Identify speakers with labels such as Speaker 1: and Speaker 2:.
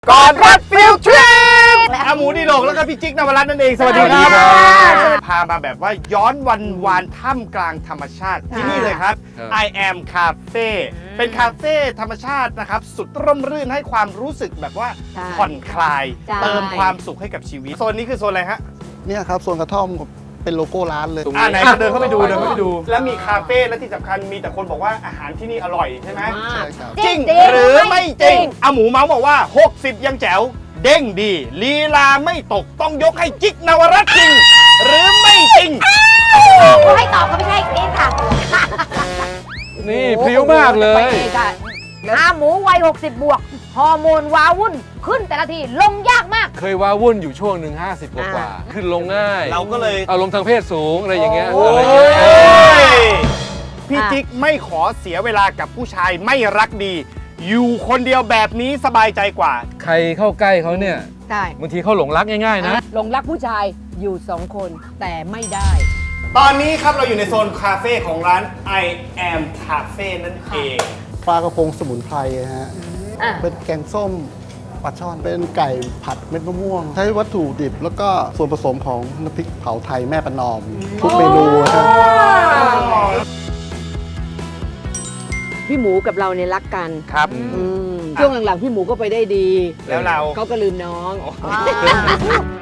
Speaker 1: ก่อนรักฟิลทริปอาหมูดีโลกแล้วก็พี่จิ๊กนวรัตน์นั่นเองสวัสดีครับพามาแบบว่าย้อนวันวานท่ามกลางธรรมชาติที่นี่เลยครับ I am Cafe เป็นคาเฟ่ธรรมชาตินะครับสุดร่มรื่นให้ความรู้สึกแบบว่าผ่อนคลายเติมความสุขให้กับชีวิตโซนนี้คือโซนอะไรฮะ
Speaker 2: เนี่ยครับโซนกระท่อมเป็นโลโก้ร้านเลย
Speaker 1: ไหนเดินเข้าไปดูแล้วมีคาเฟ่และที่สำคัญมีแต่คนบอกว่าอาหารที่นี่อร่อยใช่ไหม
Speaker 2: ใช่ครับ
Speaker 1: จริงหรือไม่จริงอาหมูเมาส์บอกว่า60ยังแจ๋วเด้งดีลีลาไม่ตกต้องยกให้จิ๊กนวรัตน์จริงหรือไม่จริง
Speaker 3: ให้ตอบก็ไม่ใช่นี่ค่ะ
Speaker 4: นี่พริ้วมากเลย
Speaker 3: อาหมูวัย60 บวก ฮอร์โมนว้าวุ่น ขึ้นแต่ละทีลงยากมาก
Speaker 4: เคยว้าวุ่นอยู่ช่วงหนึ่ง50 กว่าขึ้นลงง่าย
Speaker 1: เราก็เลย
Speaker 4: อารมณ์ทางเพศสูงอะไรอย่างเงี้ย
Speaker 1: โอ้
Speaker 4: อะไรอย่างเงี้ย
Speaker 1: ยพี่จิ๊กไม่ขอเสียเวลากับผู้ชายไม่รักดี อยู่คนเดียวแบบนี้สบายใจกว่า
Speaker 4: ใครเข้าใกล้เขาเนี่ย
Speaker 3: ใช่
Speaker 4: บางทีเขาหลงรักง่ายๆนะ
Speaker 3: หลงรักผู้ชายอยู่ 2 คนแต่ไม่ได้
Speaker 1: ตอนนี้ครับเราอยู่ในโซนคาเฟ่ของร้าน I am Cafe นั่นเอง
Speaker 2: ปลากระพงสมุนไพรฮะ
Speaker 3: อ่ะ
Speaker 2: เป็นแกงส้มปลาช่อนเป็นไก่ผัดเม็ดมะม่วง ใช้วัตถุดิบแล้วก็ส่วนผสมของน้ำพริกเผาไทยแม่ประนอม ทุกเมนูฮะ
Speaker 5: พี่หมูกับเราเนี่ยรักกัน
Speaker 1: ครับ
Speaker 5: ช่วงหลังๆพี่หมูก็ไปได้ดี
Speaker 1: แล้วเรา
Speaker 5: เขาก็ลืมน้อง
Speaker 3: อ่า